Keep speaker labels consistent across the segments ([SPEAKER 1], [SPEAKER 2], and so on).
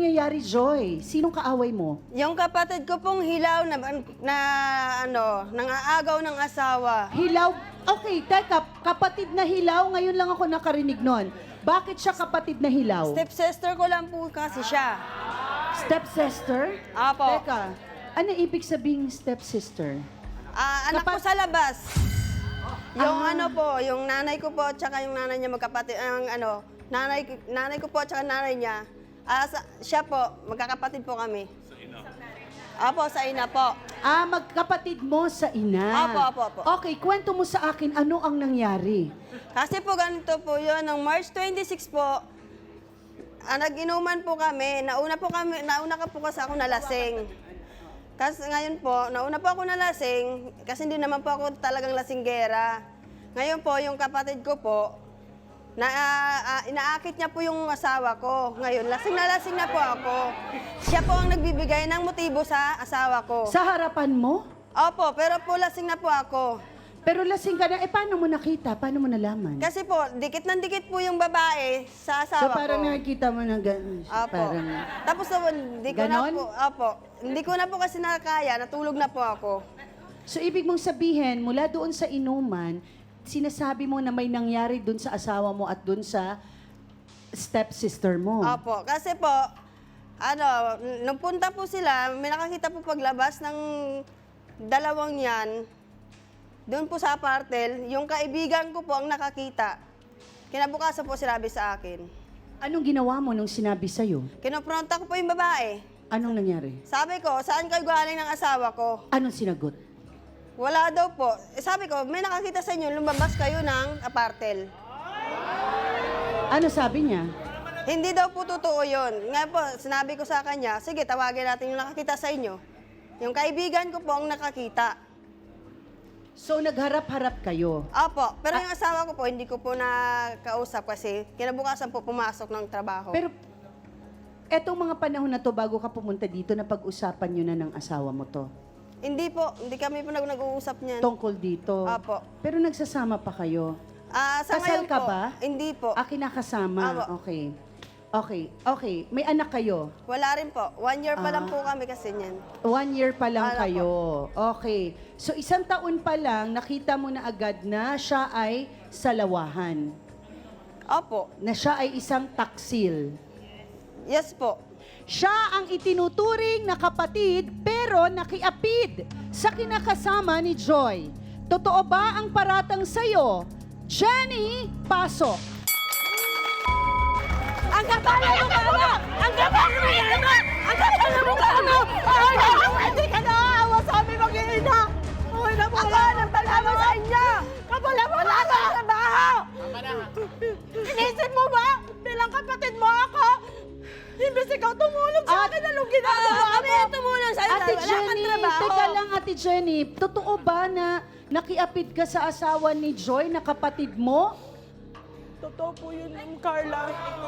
[SPEAKER 1] nangyayari, Joy? Sinong kaaway mo?
[SPEAKER 2] Yung kapatid ko pong hilaw nangaagaw ng asawa.
[SPEAKER 1] Hilaw? Okay, teka, kapatid na hilaw, ngayon lang ako nakarinig nun. Bakit siya kapatid na hilaw?
[SPEAKER 2] Stepsister ko lang po kasi siya.
[SPEAKER 1] Stepsister?
[SPEAKER 2] Apo.
[SPEAKER 1] Teka, ano ibig sabing stepsister?
[SPEAKER 2] Anak ko sa labas. Yung
[SPEAKER 1] Ah.
[SPEAKER 2] ano po, yung nanay ko po, tsaka yung nanay niya magkapatid, nanay ko po, tsaka nanay niya, siya po, magkakapatid po kami. Sa ina? Apo, sa ina po.
[SPEAKER 1] Magkapatid mo sa ina.
[SPEAKER 2] Apo.
[SPEAKER 1] Okay, kwento mo sa akin, ano ang nangyari?
[SPEAKER 2] Kasi po ganito po yun, ng March 26 po, nag-inuman po kami. Nauna ka po kasi ako nalasing. Kasi ngayon po, nauna po ako nalasing, kasi hindi naman po ako talagang lasinggera. Ngayon po, yung kapatid ko po, inaakit niya po yung asawa ko. Ngayon, lasing na po ako. Siya po ang nagbibigay ng motibo sa asawa ko.
[SPEAKER 1] Sa harapan mo?
[SPEAKER 2] Opo, pero po lasing na po ako.
[SPEAKER 1] Pero lasing ka na, paano mo nakita? Paano mo nalaman?
[SPEAKER 2] Kasi po, dikit ng dikit po yung babae sa asawa
[SPEAKER 1] So parang
[SPEAKER 2] ko.
[SPEAKER 1] nakikita mo na gano'n.
[SPEAKER 2] Opo.
[SPEAKER 1] Parang,
[SPEAKER 2] Tapos hindi ko na
[SPEAKER 1] Ganon?
[SPEAKER 2] po, opo. Hindi ko na po kasi nakakaya, natulog na po ako.
[SPEAKER 1] so ibig mong sabihin, mula doon sa inuman, sinasabi mo na may nangyari doon sa asawa mo at doon sa stepsister mo.
[SPEAKER 2] Opo, kasi po, nung punta po sila, may nakakita po paglabas ng dalawang yan, doon po sa apartel, yung kaibigan ko po ang nakakita. Kinabukasan po sinabi sa akin.
[SPEAKER 1] Anong ginawa mo nung sinabi sa'yo?
[SPEAKER 2] Kinopronta ko po yung babae.
[SPEAKER 1] Anong nangyari?
[SPEAKER 2] Sabi ko, saan kayo galing ng asawa ko?
[SPEAKER 1] Anong sinagot?
[SPEAKER 2] Wala daw po. Sabi ko, may nakakita sa inyo, lumabas kayo ng apartel.
[SPEAKER 1] Ano sabi niya?
[SPEAKER 2] Hindi daw po totoo yun. Nga po, sinabi ko sa kanya, sige, tawagin natin yung nakakita sa inyo. Yung kaibigan ko po ang nakakita.
[SPEAKER 1] So nagharap-harap kayo.
[SPEAKER 2] Opo, pero yung asawa ko po, hindi ko po nakausap kasi kinabukasan po pumasok ng trabaho.
[SPEAKER 1] Pero etong mga panahon na to bago ka pumunta dito, na pag-usapan nyo na ng asawa mo to.
[SPEAKER 2] Hindi po, hindi kami po nag-uusap niyan.
[SPEAKER 1] Tungkol dito.
[SPEAKER 2] Opo.
[SPEAKER 1] Pero nagsasama pa kayo.
[SPEAKER 2] Sa
[SPEAKER 1] Kasal
[SPEAKER 2] ngayon
[SPEAKER 1] ka
[SPEAKER 2] po,
[SPEAKER 1] ba?
[SPEAKER 2] Hindi po.
[SPEAKER 1] Kinakasama.
[SPEAKER 2] Opo.
[SPEAKER 1] Okay. May anak kayo?
[SPEAKER 2] Wala rin po. 1 year pa lang po kami kasi niyan.
[SPEAKER 1] 1 year pa lang
[SPEAKER 2] Wala
[SPEAKER 1] kayo. Okay. So 1 taon pa lang, nakita mo na agad na siya ay salawahan.
[SPEAKER 2] Opo.
[SPEAKER 1] Na siya ay isang taksil.
[SPEAKER 2] Yes po.
[SPEAKER 1] Siya ang itinuturing na kapatid pero nakiapid sa kinakasama ni Joy. Totoo ba ang paratang sa'yo? Jenny, pasok.
[SPEAKER 2] Ang kapal na mukha mo! Ang kapal na mukha mo! Ang kapal na mukha mo! Hindi ka naawa sa aming mag-iina! Ako ang trabaho sa inyo! Kapal na mukha mo! Trabaho! Inisip mo ba? Bilang kapatid mo ako? Imbes ikaw tumulong sa akin, anong ginagawa mo? Kami ang tumulong sa'yo
[SPEAKER 1] Ate
[SPEAKER 2] dahil wala kang
[SPEAKER 1] Jenny,
[SPEAKER 2] trabaho.
[SPEAKER 1] teka lang Ate Jenny, totoo ba na nakiapid ka sa asawa ni Joy na kapatid mo?
[SPEAKER 3] Totoo po yun, Ma'am Carla.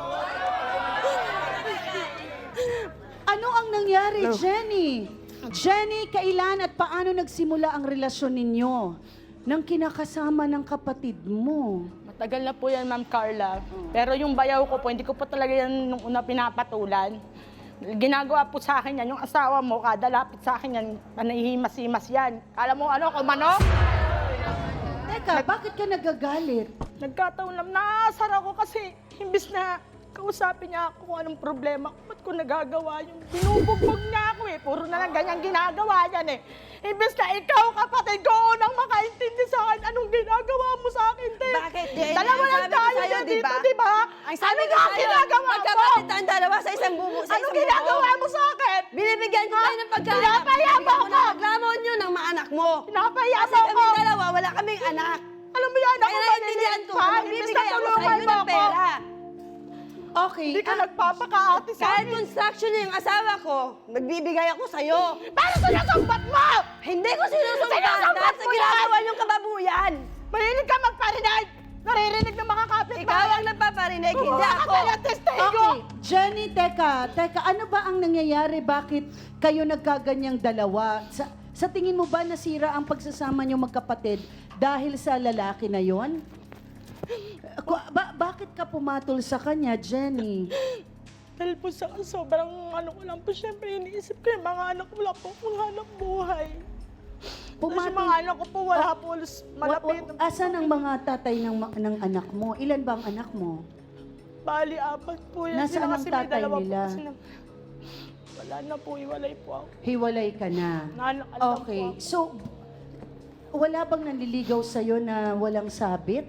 [SPEAKER 1] Ano ang nangyari, Jenny? Jenny, kailan at paano nagsimula ang relasyon ninyo ng kinakasama ng kapatid mo?
[SPEAKER 3] Matagal na po yan, Ma'am Carla. Pero yung bayaw ko po, hindi ko po talaga yan nung una pinapatulan. Ginagawa po sa akin yan, yung asawa mo, kada lapit sa akin yan, panahihimas-himas yan. Kala mo ano, kung manok?
[SPEAKER 1] Teka, bakit ka nagagalit?
[SPEAKER 3] Nagkataon lang, naasar ako kasi imbis na kausapin niya ako kung anong problema ko, ba't ko nagagawa yung binubugbog niya ako eh. Puro na lang ganyan ginagawa yan eh. Imbis na ikaw, kapatid ko, unang makaintindi sa akin, anong ginagawa mo sa akin, te?
[SPEAKER 2] Bakit?
[SPEAKER 3] Dalawa lang
[SPEAKER 2] Sabi ko
[SPEAKER 3] tayo
[SPEAKER 2] sa'yo,
[SPEAKER 3] dito,
[SPEAKER 2] diba?
[SPEAKER 3] di ba?
[SPEAKER 2] Ang sabi
[SPEAKER 3] Ano
[SPEAKER 2] ko
[SPEAKER 3] nga
[SPEAKER 2] sa'yo,
[SPEAKER 3] ginagawa mo?
[SPEAKER 2] magkapatid ang dalawa sa isang bubo.
[SPEAKER 3] Anong ginagawa mo sa akin?
[SPEAKER 2] Binibigyan ko kayo ng pagkain.
[SPEAKER 3] Pinapahiya mo
[SPEAKER 2] Binibigyan ko
[SPEAKER 3] ako!
[SPEAKER 2] ng paglamon nyo ng mga anak mo.
[SPEAKER 3] Pinapahiya
[SPEAKER 2] Kasi
[SPEAKER 3] mo
[SPEAKER 2] kami
[SPEAKER 3] ako!
[SPEAKER 2] dalawa, wala kaming anak.
[SPEAKER 3] Alam mo yan, ako
[SPEAKER 2] Kaya naiintindihan ko, magbibigay ako sa inyo ng pera.
[SPEAKER 1] Okay,
[SPEAKER 3] Hindi ka nagpapakaati sa
[SPEAKER 2] Kahit
[SPEAKER 3] akin.
[SPEAKER 2] construction niya yung asawa ko, magbibigay ako sa'yo.
[SPEAKER 3] Paano sinasumbat mo?
[SPEAKER 2] Hindi ko sinusumbat
[SPEAKER 3] Sinusumbat
[SPEAKER 2] dahil sa
[SPEAKER 3] mo
[SPEAKER 2] ginagawa niyong kababuyan.
[SPEAKER 3] Mahilig ka magparinig! Naririnig ng mga kapit
[SPEAKER 2] Ikaw ang nagpaparinig, hindi
[SPEAKER 3] Kumuha ka
[SPEAKER 2] ako.
[SPEAKER 3] tayo ng testigo!
[SPEAKER 1] okay. Jenny, teka, ano ba ang nangyayari? Bakit kayo nagkaganyang dalawa? Sa tingin mo ba nasira ang pagsasama niyo magkapatid dahil sa lalaki na yon? Bakit ka pumatol sa kanya, Jenny?
[SPEAKER 3] Dahil po sa sobrang ano ko lang po, syempre iniisip ko yung mga anak ko, wala po akong hanap buhay. Tapos yung mga anak ko po, wala po malapit.
[SPEAKER 1] Asan ang mga tatay ng anak mo? Ilan ba ang anak mo?
[SPEAKER 3] Bali, 4 po yan.
[SPEAKER 1] Nasaan
[SPEAKER 3] Sila
[SPEAKER 1] ang
[SPEAKER 3] kasi may
[SPEAKER 1] tatay
[SPEAKER 3] dalawa po
[SPEAKER 1] nila?
[SPEAKER 3] kasi wala na po, iwalay po ako.
[SPEAKER 1] Hiwalay ka na.
[SPEAKER 3] Naanak lang
[SPEAKER 1] Okay.
[SPEAKER 3] po ako.
[SPEAKER 1] So, wala bang nanliligaw sa'yo na walang sabit?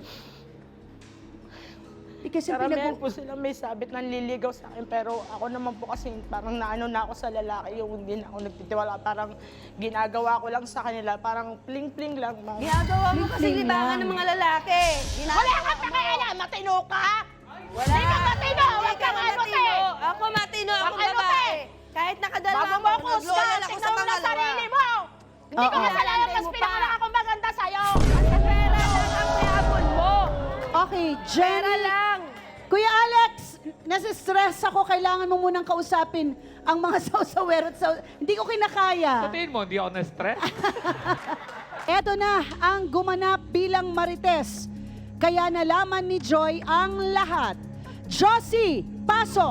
[SPEAKER 1] Kasi
[SPEAKER 3] Karamihan po sila may sabit ng liligaw sa akin, pero ako naman po kasi parang naano na ako sa lalaki, yung hindi na ako nagtitiwala, parang ginagawa ko lang sa kanila, parang pling-pling lang.
[SPEAKER 2] Ginagawa mo kasi
[SPEAKER 1] Pling-pling
[SPEAKER 2] libangan
[SPEAKER 1] lang.
[SPEAKER 2] ng mga lalaki.
[SPEAKER 3] Wala ka pakialam! Matino ka!
[SPEAKER 2] Wala.
[SPEAKER 3] Hindi ka matino!
[SPEAKER 2] Hindi
[SPEAKER 3] Huwag
[SPEAKER 2] ka
[SPEAKER 3] kang ano,
[SPEAKER 2] matino.
[SPEAKER 3] te!
[SPEAKER 2] Ako matino,
[SPEAKER 3] Huwag
[SPEAKER 2] akong
[SPEAKER 3] ano,
[SPEAKER 2] babae.
[SPEAKER 3] te!
[SPEAKER 2] Kahit nakadala
[SPEAKER 3] Bago mo ako
[SPEAKER 2] nag-loyal
[SPEAKER 3] husgan,
[SPEAKER 2] ako
[SPEAKER 3] tingnan
[SPEAKER 2] sa
[SPEAKER 3] mo na
[SPEAKER 2] pangalawa.
[SPEAKER 3] sarili mo! Hindi
[SPEAKER 1] Oo.
[SPEAKER 3] ka kasalanan, mas
[SPEAKER 2] Mo
[SPEAKER 3] pinangalan
[SPEAKER 2] pa.
[SPEAKER 3] akong maganda sa'yo!
[SPEAKER 2] Sa pera lang ang mayabon mo.
[SPEAKER 1] Okay,
[SPEAKER 2] Pera
[SPEAKER 1] Jenny.
[SPEAKER 2] lang.
[SPEAKER 1] Kuya Alex, nasistress ako. Kailangan mo munang kausapin ang mga sausawero at hindi ko
[SPEAKER 4] Sa
[SPEAKER 1] kinakaya.
[SPEAKER 4] tingin mo, hindi ako na-stress?
[SPEAKER 1] Eto na ang gumanap bilang Marites. Kaya nalaman ni Joy ang lahat. Josie, pasok!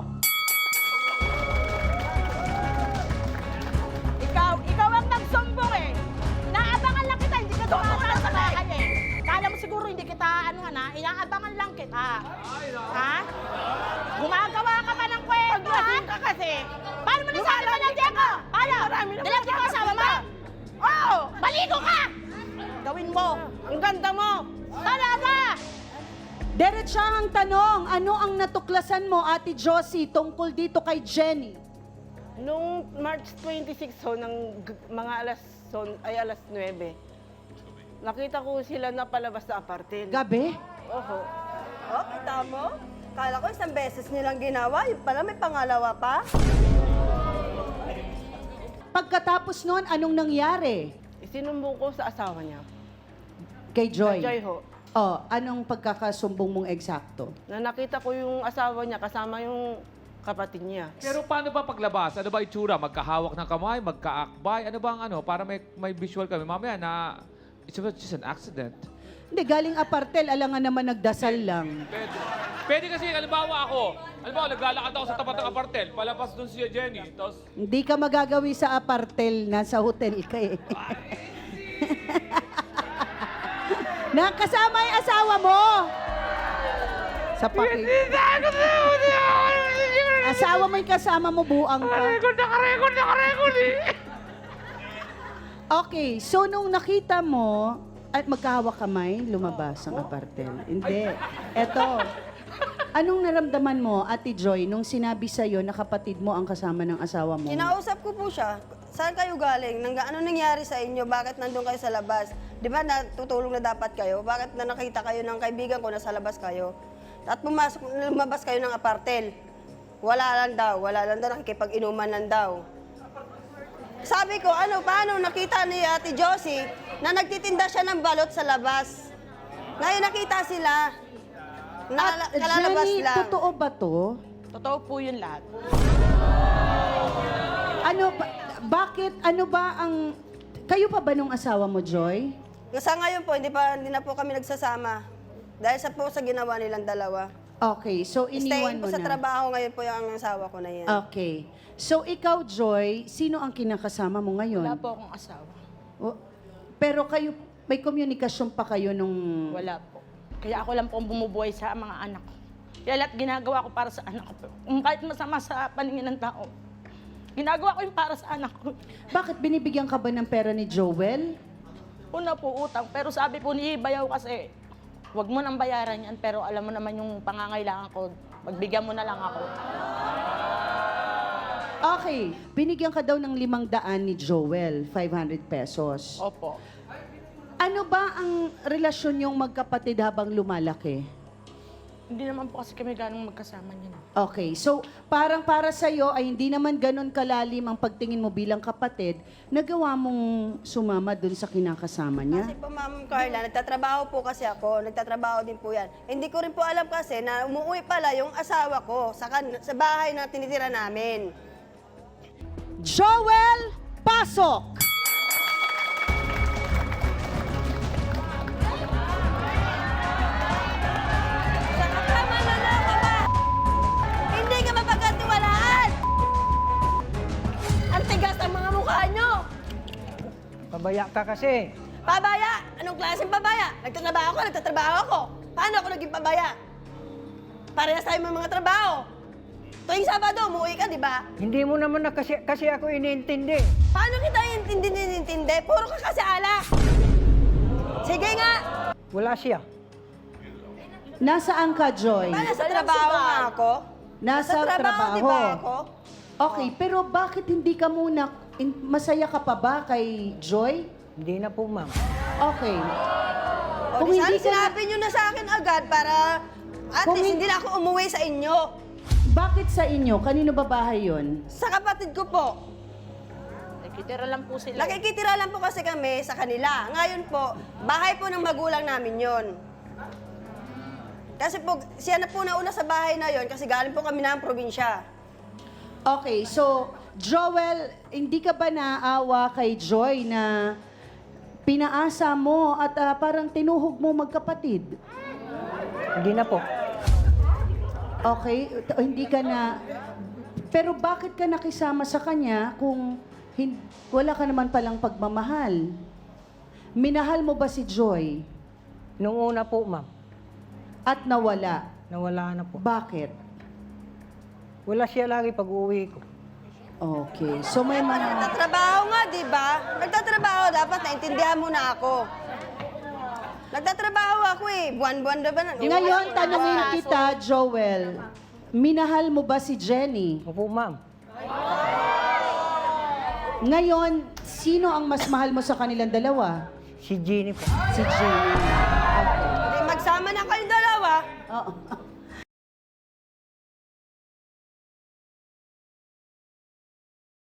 [SPEAKER 3] Ikaw ang nagsumbong eh. Inaabangan lang kita, hindi ka dumadaan sa bahay eh. Kala mo siguro hindi kita, inaabangan lang kita. Ha? Gumagawa ka pa ng kwento, ha? Ka kasi. Paano mo nasabi pa lang ako? Paano? Nilagyan ko asawa mo? Oo! Baligo ka! Gawin mo. Ang ganda mo. Talaga!
[SPEAKER 1] Diretsahang tanong, ano ang natuklasan mo, Ate Josie, tungkol dito kay Jenny?
[SPEAKER 5] Nung March 26 ho, ng mga alas 9, nakita ko sila na palabas sa apartel.
[SPEAKER 1] Gabi?
[SPEAKER 5] Oho.
[SPEAKER 2] Oh, kita mo? Kala ko isang beses nilang ginawa, yung pala may pangalawa pa.
[SPEAKER 1] Pagkatapos noon, anong nangyari
[SPEAKER 5] Isinumbong ko sa asawa niya.
[SPEAKER 1] kay Joy?
[SPEAKER 5] Joy ho.
[SPEAKER 1] Oh, anong pagkakasumbong mong eksakto?
[SPEAKER 5] Na nakita ko yung asawa niya kasama yung kapatid niya.
[SPEAKER 4] Pero paano ba paglabas? Ano ba itsura? Magkahawak ng kamay? Magkaakbay? Ano ba ang ano? Para may visual kami. Mamaya na it's just an accident.
[SPEAKER 1] Hindi, galing apartel, alangan naman nagdasal lang.
[SPEAKER 4] Pwede kasi, halimbawa ako, naglalakad ako sa tapat ng apartel, palabas doon si Jenny, tapos
[SPEAKER 1] Hindi ka magagawi sa apartel, nasa hotel ka eh. Nakasama yung asawa mo! Sa Asawa mo yung kasama mo, buang ka.
[SPEAKER 4] nakarecord eh.
[SPEAKER 1] Okay, so nung nakita mo, at magkahawak kamay, lumabas ang apartel. Hindi. Eto. Anong naramdaman mo, Ate Joy, nung sinabi sa'yo na kapatid mo ang kasama ng asawa mo?
[SPEAKER 2] Kinausap ko po siya. Saan kayo galing? Ano nangyari sa inyo? Bakit nandun kayo sa labas? Di ba natutulong na dapat kayo? Bakit na nakita kayo ng kaibigan ko na sa labas kayo? At lumabas kayo ng apartel. Wala lang daw, nakikipag-inuman lang daw. Sabi ko, paano nakita ni Ate Josie na nagtitinda siya ng balot sa labas? Ngayon nakita sila. Kalalabas
[SPEAKER 1] Jenny,
[SPEAKER 2] lang.
[SPEAKER 1] totoo ba to?
[SPEAKER 3] Totoo po yun lahat.
[SPEAKER 1] Bakit, ano ba ang... Kayo pa ba nung asawa mo, Joy?
[SPEAKER 2] Sa ngayon po, hindi na po kami nagsasama. Dahil sa ginawa nilang dalawa.
[SPEAKER 1] Okay, so iniwan
[SPEAKER 2] Staying
[SPEAKER 1] mo
[SPEAKER 2] po sa
[SPEAKER 1] na.
[SPEAKER 2] trabaho ngayon po yung asawa ko na yan.
[SPEAKER 1] Okay. So ikaw, Joy, sino ang kinakasama mo ngayon?
[SPEAKER 3] Wala po akong asawa.
[SPEAKER 1] Oh, pero kayo, may komunikasyon pa kayo nung...
[SPEAKER 3] Wala po. Kaya ako lang po ang bumubuhay sa mga anak ko. Kaya lahat ginagawa ko para sa anak ko. Kahit masama sa paningin ng tao, ginagawa ko yung para sa anak ko.
[SPEAKER 1] Bakit binibigyan ka ba ng pera ni Joel?
[SPEAKER 3] Una po utang, pero sabi po ni Bayaw kasi, huwag mo nang bayaran yan, pero alam mo naman yung pangangailangan ko, magbigyan mo na lang ako.
[SPEAKER 1] Okay, binigyan ka daw ng 500 ni Joel, 500 pesos.
[SPEAKER 3] Opo.
[SPEAKER 1] Ano ba ang relasyon yung magkapatid habang lumalaki?
[SPEAKER 3] Hindi naman po kasi kami ganong magkasama niyan.
[SPEAKER 1] Okay, so parang para sa'yo ay hindi naman ganun kalalim ang pagtingin mo bilang kapatid, nagawa mong sumama dun sa kinakasama niya?
[SPEAKER 2] Kasi po, Ma'am Carla, nagtatrabaho po kasi ako. Nagtatrabaho din po yan. Hindi ko rin po alam kasi na umuwi pala yung asawa ko sa bahay na tinitira namin.
[SPEAKER 1] Joel, pasok!
[SPEAKER 2] Tama na ka ba? Hindi ka mapagkatiwalaan.
[SPEAKER 6] Pabaya ka kasi.
[SPEAKER 2] Pabaya? Anong klaseng pabaya? Nagtatrabaho ako. Paano ako naging pabaya? Parehas tayo may mga trabaho. Tuwing Sabado, umuwi ka, di ba?
[SPEAKER 6] Hindi mo naman na kasi ako iniintindi.
[SPEAKER 2] Paano kita intindi? Puro ka kasi alak. Sige nga.
[SPEAKER 6] Wala siya.
[SPEAKER 1] Nasaan ka, Joy?
[SPEAKER 2] Nasa trabaho nga ako.
[SPEAKER 1] Nasa trabaho.
[SPEAKER 2] di ba ako?
[SPEAKER 1] Okay, pero bakit hindi ka muna, masaya ka pa ba kay Joy?
[SPEAKER 6] Hindi na po, ma'am.
[SPEAKER 1] Okay.
[SPEAKER 2] O,
[SPEAKER 1] Kung
[SPEAKER 2] di
[SPEAKER 1] hindi
[SPEAKER 2] sana
[SPEAKER 1] ka-
[SPEAKER 2] sinabi nyo na sa akin agad para at
[SPEAKER 1] Kung
[SPEAKER 2] least
[SPEAKER 1] hin-
[SPEAKER 2] hindi na ako umuwi sa inyo.
[SPEAKER 1] Bakit sa inyo? Kanino ba bahay yun?
[SPEAKER 2] Sa kapatid ko po.
[SPEAKER 3] Nakikitira lang po sila.
[SPEAKER 2] Nakikitira lang po kasi kami sa kanila. Ngayon po, bahay po ng magulang namin yon. Kasi po, siya na po nauna sa bahay na yon kasi galing po kami ng probinsya.
[SPEAKER 1] Okay, so, Joel, hindi ka ba naawa kay Joy na pinaasa mo at parang tinuhog mo magkapatid?
[SPEAKER 6] Hindi na po.
[SPEAKER 1] Okay, hindi ka na... Pero bakit ka nakisama sa kanya kung wala ka naman palang pagmamahal? Minahal mo ba si Joy
[SPEAKER 6] Nung una po, ma'am.
[SPEAKER 1] at nawala?
[SPEAKER 6] Nawala na po.
[SPEAKER 1] Bakit?
[SPEAKER 6] Wala siya lagi pag uwi ko.
[SPEAKER 1] Okay, so may mga...
[SPEAKER 2] Nagtatrabaho nga, di ba? Nagtatrabaho, dapat naintindihan mo na ako. Nagtatrabaho ako eh. Buwan-buwan na ba na?
[SPEAKER 1] Ngayon, tanungin kita, Joel, minahal mo ba si Jenny?
[SPEAKER 6] Opo, ma'am.
[SPEAKER 1] Ngayon, sino ang mas mahal mo sa kanilang dalawa?
[SPEAKER 6] Si Jeannie po.
[SPEAKER 1] Si Jenny. Okay.
[SPEAKER 2] Hindi, magsama na kayong dalawa.
[SPEAKER 1] Oo.